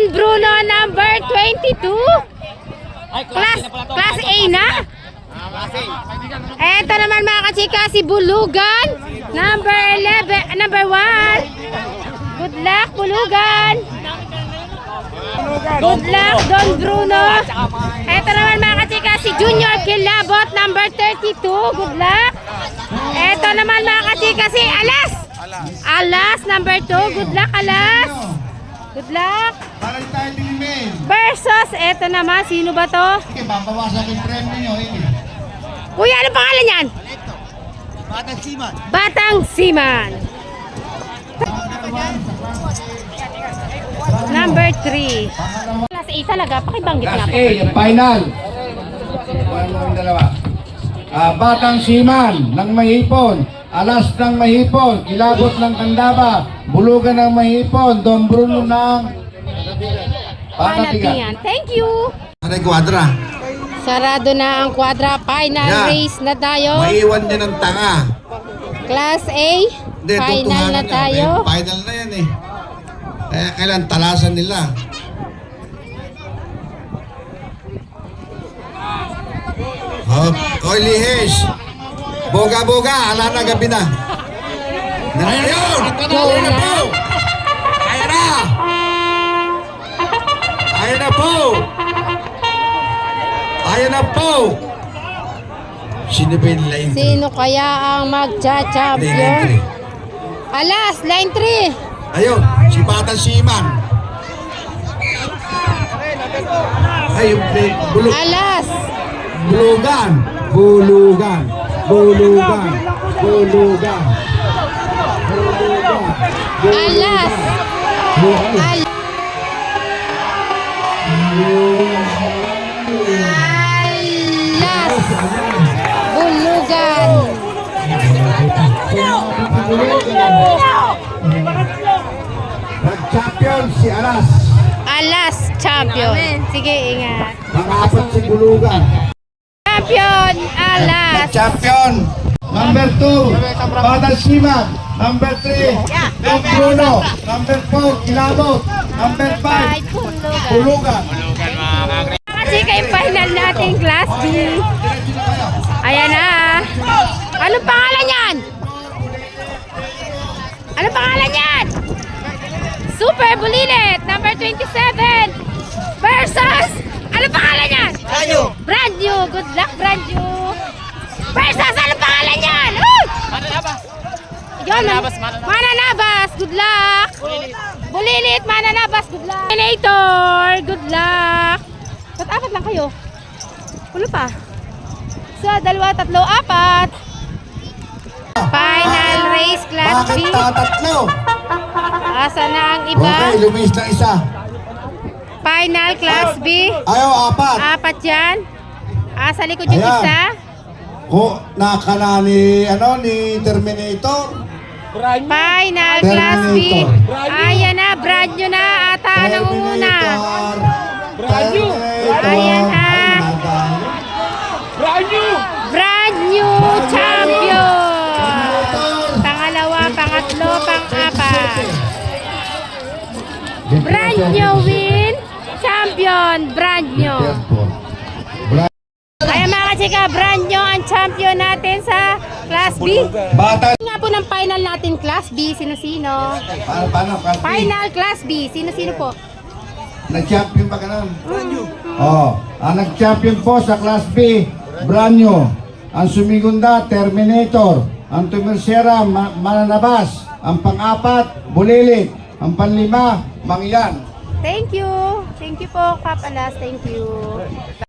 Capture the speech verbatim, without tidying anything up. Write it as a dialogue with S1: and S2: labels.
S1: Bruno, number twenty-two. Class, class A na. Eto naman mga kachika, si Bulugan, number eleven, number one. Good luck, Bulugan. Good luck, Don Bruno. Eto naman mga kachika, si Junior Kilabot, number thirty-two. Good luck. Eto naman mga kachika, si Alas. Alas, number two. Good luck, Alas. Good luck.
S2: Para tayo dilimin.
S1: Versus, eto naman, sino ba to?
S2: Okay, babawasan yung premyo nyo. Eh.
S1: Kuya, ano pangalan yan?
S2: Batang Siman.
S1: Batang Siman. Number three. Class A talaga, pakibanggit nga
S2: Class
S1: po.
S2: A, yung final. Ano yung dalawa? Ah, Batang Siman ng Mahipon. Alas ng Mahipon. Kilabot ng Candaba. Bulugan ng Mahipon. Don Bruno ng
S1: Panatigan. Thank you.
S2: Ano yung kwadra?
S1: Sarado na ang quadra. Final
S2: Yeah.
S1: race na tayo.
S2: Maiwan din ng tanga.
S1: Class A.
S2: Hindi,
S1: Final
S2: tutuhanan
S1: na
S2: yan.
S1: tayo.
S2: Eh, final na yan eh. Kaya kailan talasan nila. Oh, oy Lihes. Boga-boga, ala na gabi na. Ayun! Ayun na po! Ayun na! Ayun na po! Ayun na po! Sino ba yung line three?
S1: Sino kaya ang
S2: Hindi, line
S1: magcha-champion?
S2: three.
S1: Alas, line three.
S2: Ayun, si Batang Siman. Ay, yung play, bulog.
S1: Alas.
S2: Bulugan. Bulugan. Bulugan. Bulugan. Bulugan.
S1: Alas. Al Alas. Bulugan.
S2: Nag-champion si Alas.
S1: Alas champion. Sige, ingat.
S2: Pangapat si Bulugan.
S1: Champion Alas.
S2: Nag-champion. Number two, Batang Siman. Number three, Don Bruno. Number four, Kilabot. Number five, Bulugan.
S1: Kasi kay final natin class B. Ayan na. Anong pangalan yan? Anong pangalan yan? Super Bulilit, number twenty-seven. Versus, anong pangalan yan?
S3: Brand new.
S1: Brand new. Good luck, brand new. Versus, anong pangalan yan? Uy!
S3: Mananabas.
S1: Yun,
S3: Mananabas, mananabas.
S1: Mananabas, good luck. Bulilit, Mananabas, good luck. Terminator, good luck. Ba't apat lang kayo? Wala pa. So, dalawa, tatlo, apat. Final race, class B.
S2: Bakit tatatlo?
S1: Asa na ang iba?
S2: Okay, lumis na isa.
S1: Final, class B.
S2: Ayaw, apat.
S1: Apat yan. Asa likod yung
S2: Ayan.
S1: isa.
S2: Ko, nakana ni, ano, ni Terminator.
S1: Final, class B.
S2: Terminator.
S1: Ayan na, brand new na. Ata, nangunguna.
S2: Terminator.
S3: Brand new.
S2: Terminator.
S1: Ayan na.
S2: Ay, madami.
S3: Brand new.
S1: Brand new champion. Pangalawa, pangatlo, pang-apat. Brand new win. Champion. Brand new. Ayan mga kachika, brand new ang champion natin sa Class B.
S2: Bata.
S1: Nga po ng final natin Class B, sino-sino?
S2: Paano, paano, Class B?
S1: Final Class B, sino-sino po?
S2: Nag-champion pa ka nun? Brand new. Oh, ang nag-champion po sa Class B, brand new. Ang sumigunda, Terminator. Ang tumirsera, ma Mananabas. Ang pang-apat, Bulilit. Ang panlima, Mangyan.
S1: Thank you. Thank you po, Kap Alas. Thank you.